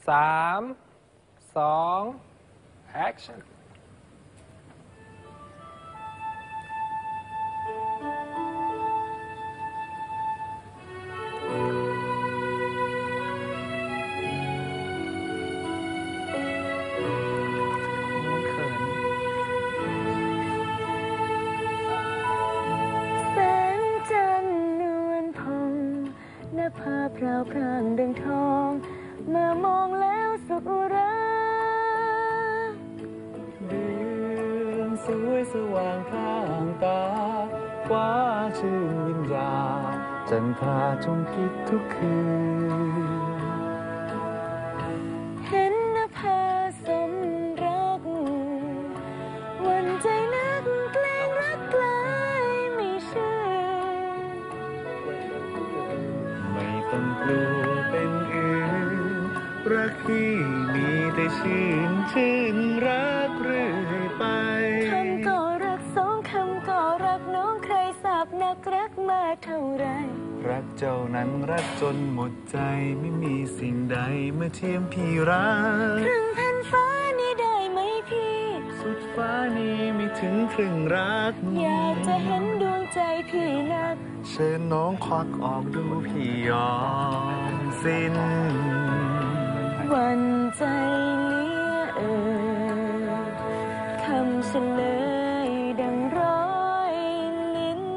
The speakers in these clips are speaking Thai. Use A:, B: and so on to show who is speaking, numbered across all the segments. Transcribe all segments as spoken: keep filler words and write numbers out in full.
A: สามสองแอคชั่น
B: ภาพพราวพรางดังทองเมื่อมองแล้วสุขอุรา
C: เดือนสวยสว่างพร่างตาฟ้าชื่นวิญญาจันทราจงคิดทุกคืน
B: เห็นนภาสมรักวันใจนักเกรงรักไกลไม่เชื่อ
C: ต้องกลัวเป็นอื่นรักที่มีแต่ชื่นชื่นรักเรื่อยไป
B: คำก็รักสองคำก็รักน้องใครสาบนักรักมากเท่าไร
C: รักเจ้านั้นรักจนหมดใจไม่มีสิ่งใดเมื่อเทียมพี่รัก
B: ครึ่งแผ่นฟ้านี้ได้ไหมพี่
C: สุดฟ้านี้ไม่ถึงครึ่งรัก
B: อยากจะเห็นดวงใจพี่นัก
C: เชิญน้องควักออกดูพี่ยอมสิ้น
B: วันใจเลี้ยเอ่ยคำเฉลยดังร้อยลิ้น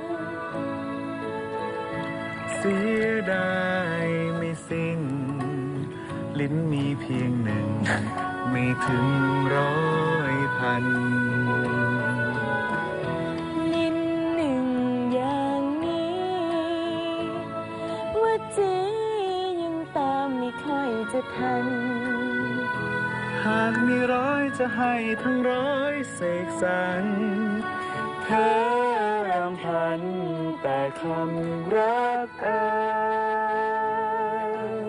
C: เสียดายไม่สิ้นลิ้นมีเพียงหนึ่งไม่ถึงร้อยพัน
B: จะทัน
C: หากมีร้อยจะให้ทั้งร้อยเสกสรรเธอรำพันแต่คำรักเอ่ย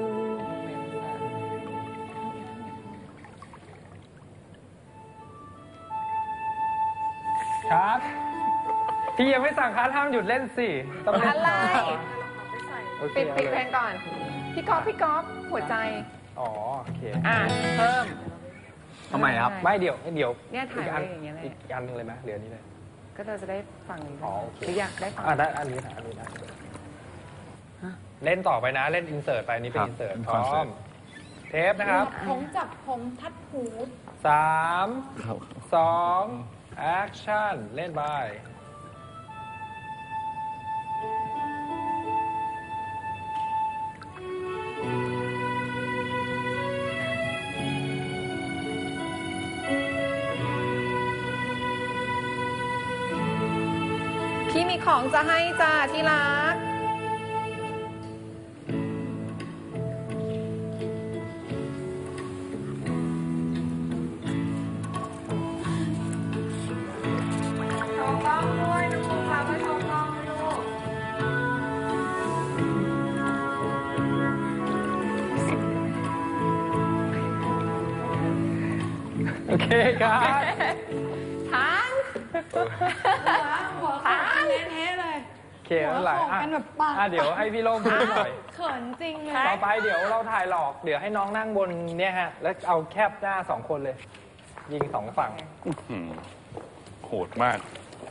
A: ครับพี่ยังไม่สั่งคัดห้ามหยุดเล่นสิ
D: ต้องเล่นอะไรปิดปิดเพลงก่อนพี่ก๊อฟพี่ก๊อฟหัวใจ
A: อ๋อโอเค
D: อ่ะเพิ่ม
A: ทำไมครับไม่เดี๋ยวเดี๋ยว
D: เนี่ยถ่ายอะไรอย่างเงี้ยเลย
A: อีกอันนึงเลยไหมเดี๋ยวนี้เลย
D: ก็เราจะได้ฟัง
A: อ๋อ
D: หรืออยากได้ฟัง
A: อ่ะได้อันนี้นะอันนี้นะเล่นต่อไปนะเล่นอินเสิร์ตไปนี้เป็นอินเสิร์ตพร้อมเทปนะครับ
D: ผมจับผมทัดหู
A: สามสองแอคชั่นเล่นไป
D: พี่มีของจะให้จ้าที่รักโชว์กล้องด้วยน้องภูมิค่ะมาโชว์กล้องลูก
A: โอเคครับ
D: ทานหัวขาดแท้ๆเลย
A: เขียนหลายอ่ะเดี๋ยวให้พี่โล่งพูดหน่อย
D: เขินจริงเลย
A: ต่อไปเดี๋ยวเราถ่ายหลอกเดี๋ยวให้น้องนั่งบนเนี่ยฮะแล้วเอาแคบหน้าสองคนเลยยิงสองฝั่ง
C: โหดมาก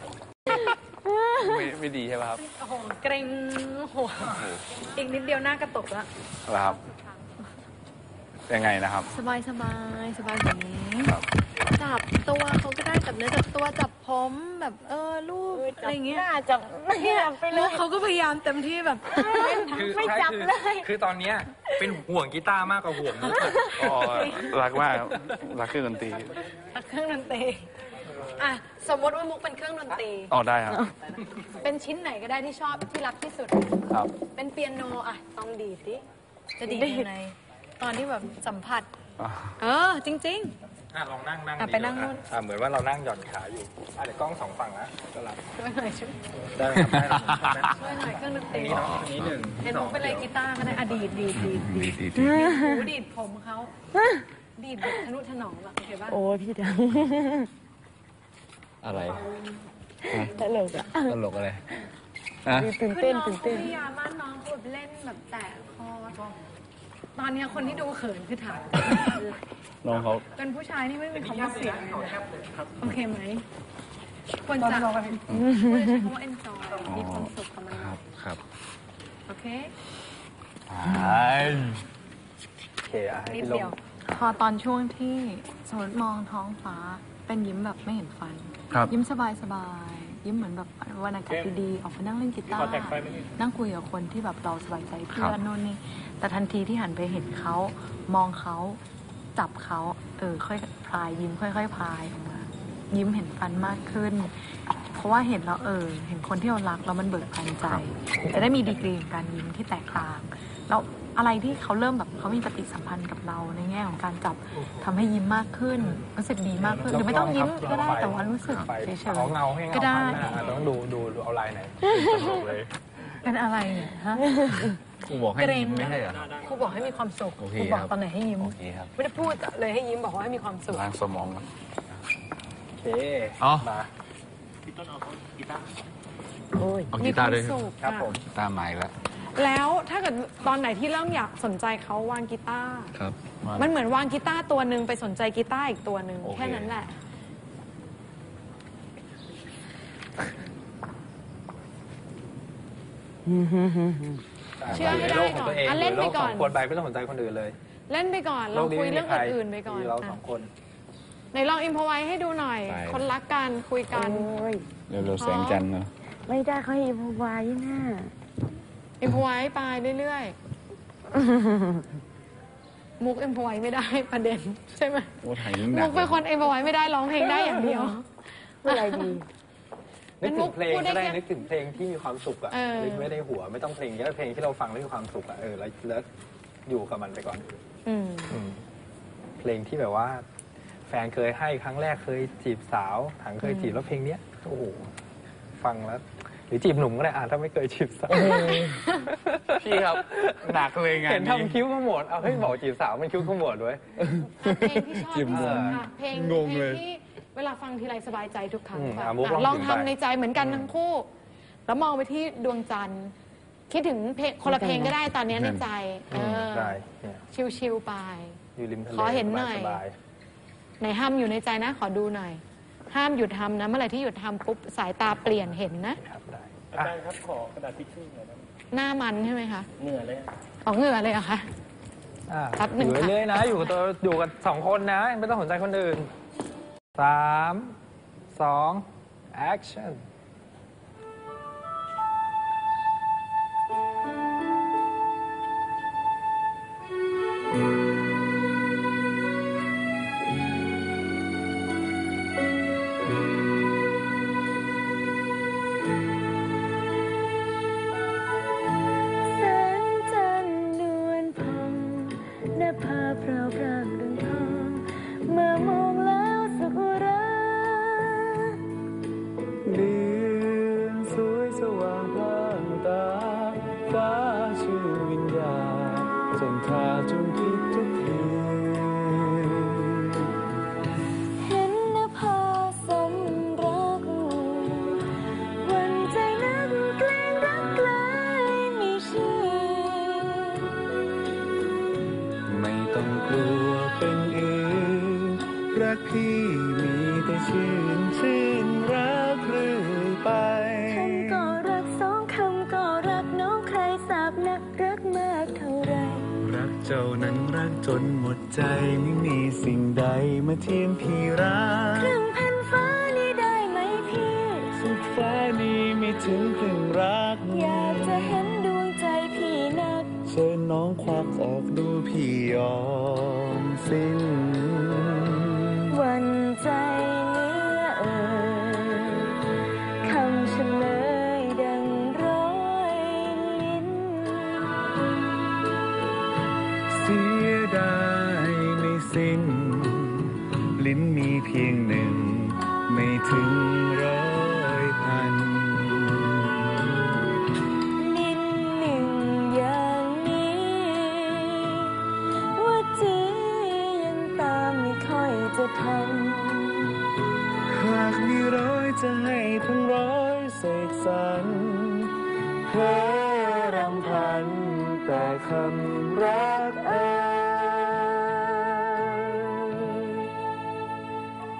C: ไม่ไม่ดีใช่ไหมครับ
D: โอ้โหเกรงโหอีกนิดเดียวหน้ากระตุกแล้ว
C: ครับยังไงนะครับ
D: สบายสบายสบายแบบนี้จับตัวเขาก็ได้จับเนื้อจับตัวจับผมแบบเออลูกอะไรเงี้ย
B: จับเนี่ยไปเลย
D: เขาก็พยายามเต็มที่แบบ
B: ไม่จับเลย
A: คือตอนนี้เป็นห่วงกีตาร์มากกว่าห่วงมุก
C: อ๋อรักมากรักเครื่องดนตรี
D: รักเครื่องดนตรีอ่ะสมมติว่ามุกเป็นเครื่องดนตรี
C: อ๋อได้ครับ
D: เป็นชิ้นไหนก็ได้ที่ชอบที่รักที่สุด
C: ครับ
D: เป็นเปียโนอ่ะต้องดีดดิจะดีดยังไงตอนที่แบบสัมผัสเออจริงๆ
A: อ่ะลองนั่งนั่ง
D: ไปนั่งนู่น
A: อ่ะเหมือนว่าเรานั่งหย่อนขาอยู่อ่ะเดี๋ยวกล้องสองฝั่งนะก็รับ
D: ช่วยหน่อยช่วย
A: ได้
D: ช่วยหน่อยเครื่องดนตรี
A: นี้เนาะนี้หนึ่ง
D: เห็นมุกเป็นอะไรกีตาร์ก็ได้อ่ะดีดดีดดีดดีดดีดหูดีดผมเขาดีดแบบทะนุถนอมแบบโอเคป่ะ
B: โอ้พี่จัง
C: อะไร
B: ตลกอะ
C: ตลกอะไร
B: ตื่นเต้นตื่นเต้น
D: พยายามมากน้องแบบเล่นแบบแตะคอตอนเนี้ยคนที่ดูเขินคือถาม
C: น้องเขา
D: เป็นผู้ชายนี่ไม่มีคำว่าเสียงเลยนะโอเคไหมควรจะควรจะใช้คำว่า enjoy มีความสุขกับมัน
C: ครับครับ
D: โอเค
A: โอเคอ่ะให้
D: นิด
A: พี่ล
D: เดียว
A: ง
D: พอตอนช่วงที่สมมติมองท้องฟ้าเป็นยิ้มแบบไม่เห็นฟัน
C: ครับ
D: ยิ้มสบายสบายยิ้มเหมือนแบบวันอากาศดีๆออกมานั่งเล่นกีตาร์นั่งคุยกับคนที่แบบเราสบายใจเพื่อนโน่นนี่แต่ทันทีที่หันไปเห็นเขามองเขาจับเขาเออค่อยพลายยิ้มค่อยๆพลายออกมายิ้มเห็นฟันมากขึ้น เพราะว่าเห็นแล้วเออเห็นคนที่เรารักแล้วมันเบิกบานใจ จะได้มีดีกรีของการยิ้มที่แตกต่างแล้วอะไรที่เขาเริ่มแบบเขามีปฏิสัมพันธ์กับเราในแง่ของการจับทำให้ยิ้มมากขึ้นรู้สึกดีมากขึ้นหรือไม่ต้องยิ้มก็ได้แต่ว่ารู้สึกเฉย
A: เอาเงาให้
D: ๆ
A: เงา
D: ก็ได้
A: พันหน้าอาจจะต้องดูดูดูเอาลายไหนเลย
D: เป็นอะไรเนี่ยฮะ
C: ครูบอกให้
D: เกรน
C: ไม่ใช่เหรอ
D: ครูบอกให้มีความสุข
C: โอเค
D: ครูบอก
C: ครับ
D: ตอนไหนให้ยิ้ม
C: โอเคครับ
D: ไม่ได้พูดเลยให้ยิ้มบอกว่าให้มีความสุข
C: ล้างสมองครับ
A: โอเค
C: อ๋อ
A: มา
C: เอา
D: มี
C: กี
D: ค
C: ตาร์
D: วาม
C: ด้วย
D: สุข
A: ครับ
D: อะ
A: ผม
C: กีตาร์ใหม่แล้ว
D: แล้วถ้าเกิดตอนไหนที่เริ่มอยากสนใจเขาวางกีตาร์
C: ครับ
D: มันเหมือนวางกีตาร์ตัวหนึ่งไปสนใจกีตาร์อีกตัวหนึ่ง
C: โอเค
D: แค่นั้นแหละ เชื่อให้ได้
A: โลกของตัวเอง
D: ก่อนอ่ะเล่นไปก่อน
A: โลขงคนไปไม่ต้องสนใจคนอื่นเลย
D: เล่นไปก่อนเราคุยเรื่องอื่นๆไปก่อน
A: มีเรา
D: อ่ะ
A: สองคน
D: ไหนลองอิมพอไว้ให้ดูหน่อย
C: ไป
D: คนรักกันคุยกัน
B: โอ้ย
C: เร็วๆแสงจันทร์เนาะ
B: ไม่ได้เขาให้พวายน่ะ
D: อิมพอไว้ไปเรื่อยๆ มุกอิมพอไว้ไม่ได้ประเด็นใช่ไหม
C: โอ้ถ่ายยิ่งหนั
D: มุ
C: ก
D: กเป็นคนอิมพอไว้ไม่ได้ร้องเพลงได้อย่างเดียว
B: เมื่อไรดี
A: นึกถึงเพลง
D: พูดได้
A: ก็ได้
D: แค่
A: นึกถึงเพลงที่มีความสุขอะ
D: เออ
A: นึกไม่ได้หัวไม่ต้องเพลงเยอะเพลงที่เราฟังแล้วมีความสุขอะเออแล้วแล้วอยู่กับมันไปก่อน
D: อืม
A: อืมเพลงที่แบบว่า แฟนเคยให้ครั้งแรกเคยจีบสาวถังเคยจีบแล้วเพลงเนี้ยโอ้โหฟังแล้ว หรือจีบหนุ่มก็ได้อ่ะถ้าไม่เคยจีบสาว
C: พี่ครับ หนักเลยงาน
A: เห็น
C: นี้
A: ทำคิ้วขมวดเอาให้ยบอกจีบสาวมันคิ้วขมวดด้วย
D: เพลงที่ชอบ
C: จิ้ม
D: ที่สุด
C: งง
D: ค่ะเพลง
C: งง
D: เพล
C: เล
D: ง
C: ย
D: ที่เวลาฟังทีไรสบายใจทุกครั้ง
A: อืม
D: ค่ะ
A: อ่ะมุก
D: อ่ะ
A: ล
D: ล
A: อ
D: อง ง
A: ถึงไป
D: ทำในใจเหมือนกันทั้งคู่ แล้วมองไปที่ดวงจันทร์ คิดถึงเพลงคนละเพลงก็ได้ตอนนี้ในใจเออ
A: ใช่เนี่ย
D: ชิวๆไป
A: อยู่ริมทะเล
D: ขอเห็นหน่อย
A: สบาย
D: ไหนห้ามอยู่ในใจนะ ขอดูหน่อย ห้ามหยุดทำนะ เมื่อไหร่ที่หยุดทำปุ๊บสายตาเปลี่ยนเห็นนะ
A: ๆครับได้
E: อา
A: อ่ะ
E: จารย์ครับขอกระดาษทิชชู่หน่อยได้ไหม
D: หน้ามันใช่ไหมคะ
E: เหนื่อยเลย
D: ออกเหงื่อเลยเหรอะคะ
A: อ่ะ
D: แป๊บหนึ่
A: อง ยู่
D: ค่ะ
A: เรื่อยๆนะ อยู่กับตัวอยู่กับสองคนนะ ไม่ต้องสนใจคนอื่นสามสอง action
B: แสงจันทร์นวลพองหน้าผาพราวพรางดังทองเมื่อมองแล้วสุขอุรา
C: เดือนสวยสว่างพลางตา ฟ้าชื่อวิญญาณจนขาดจนคิดทุกคืน
B: เห็นนภาสมรัก วันใจนักเกรงรักไกลมีชื่อ
C: ไม่ต้องกลัวเป็นอื่นรักพี่มีแต่ชื่นชื่นรักเรื่อยไป
B: คำก็รักสองคำก็รักน้องใครสาบนักรักมากเท่าไร
C: รักเจ้านั้นรักจนหมดใจไม่มีสิ่งใดมาเทียมพี่รัก
B: ครึ่งแผ่นฟ้านี้ได้ไหมพี่
C: สุดฟ้านี้ไม่ถึงครึ่งรัก
B: อยากจะเห็นดวงใจพี่นัก
C: เชิญน้องควักออกดูพี่ยอมสิ้น
B: วันใจเหลือเอ่ยคำเฉลยดังร้อยลิ้น
C: เสียดายไม่สิ้น ลิ้นมีเพียงหนึ่ง ไม่ถึงร้อยพัน
B: ลิ้นหนึ่งอย่างนี้ ว่าจียังตามไม่ค่อยจะทัน
C: หากมีร้อยจะให้ทั้งร้อยเสกสรรเพ้อรำพัน แต่แต่คำรักเอ่ย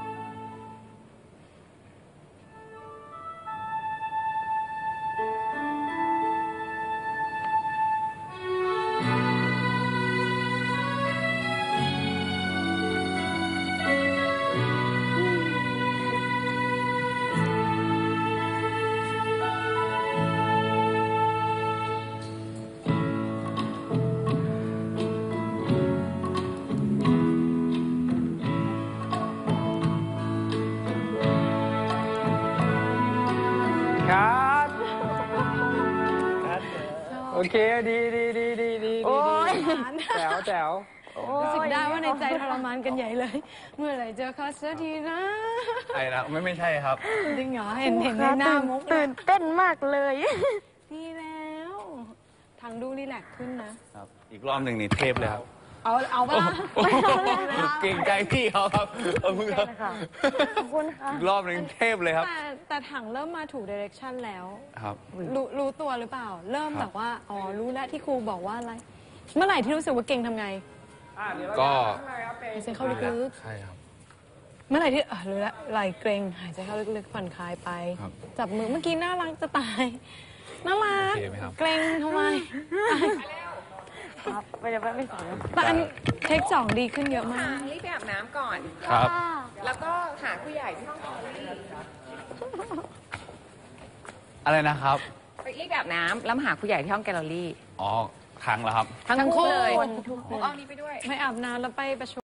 A: ครับโอเคดีดีดีดีดี
B: โอ้ย
A: แจ๋วแจ๋ว
D: รู้สึกได้ว่าในใจทรมานกันใหญ่เลย เมื่อไหร่จะเขาสักทีนะ
C: ไอ้นะไม่ไม่ใช่ครับ
D: จริงเหรอเห็นเห็นในหน้ามุก
B: ตื่นเต้นมากเลย
D: ดีแล้วทางดูรีแลกซ์ขึ้นนะ
C: ครับ อีกรอบหนึ่งนี่เทพเลยครับ
D: เอาเอาปะล่ะ
C: เก่งใจพี่เขาครับเออมึงครับ
B: ขอบคุณค่ะ
C: อีกรอบหนึ่งเทพเลยครับ
D: แต่แต่ถังเริ่มมาถูกเดเรคชั่นแล้ว
C: ครับ
D: รู้รู้ตัวหรือเปล่า เริ่ม
C: ครับ
D: แบบว่า อ๋อ รู้แล้วที่ครูบอกว่าอะไร เมื่อไหร่ที่รู้สึกว่าเก่งทำไง
A: อ่ะเดี๋ยวเรา
C: ก็
A: จะทำอะไรครับเพลง
D: หายใจเข้าลึก
C: ใช่ครับ
D: ๆ เมื่อไหร่ที่เออรู้แล้วไหลเกรงหายใจเข้าลึกๆผ่อนคลายไป
C: ครับ
D: จับมือเมื่อกี้น่ารักจะตาย น่ารัก
C: โอเคไหมครับ
D: เกรงทำไม
B: ครับไปเดี๋ยวไปไม่สอน
D: แต่อันเทคสองดีขึ้นเยอะมาก
F: รีบไปอาบน้ำก่อน
C: ครับ
F: แล้วก็หาผู้ใหญ่ที่ห้องแกลเลอรี่
C: อะไรนะครับ
F: ไปรีบไปอาบน้ำแล้วมาหาผู้ใหญ่ที่ห้องแกลเลอรี่
C: อ๋อครั้งแล้วครับ
F: ทั้ง
D: ทั้งคู่
F: คู่เลย
D: ทุกคน
F: เอานี้ไปด้วย
D: ไม่อาบน้ำแล้วไปประชุม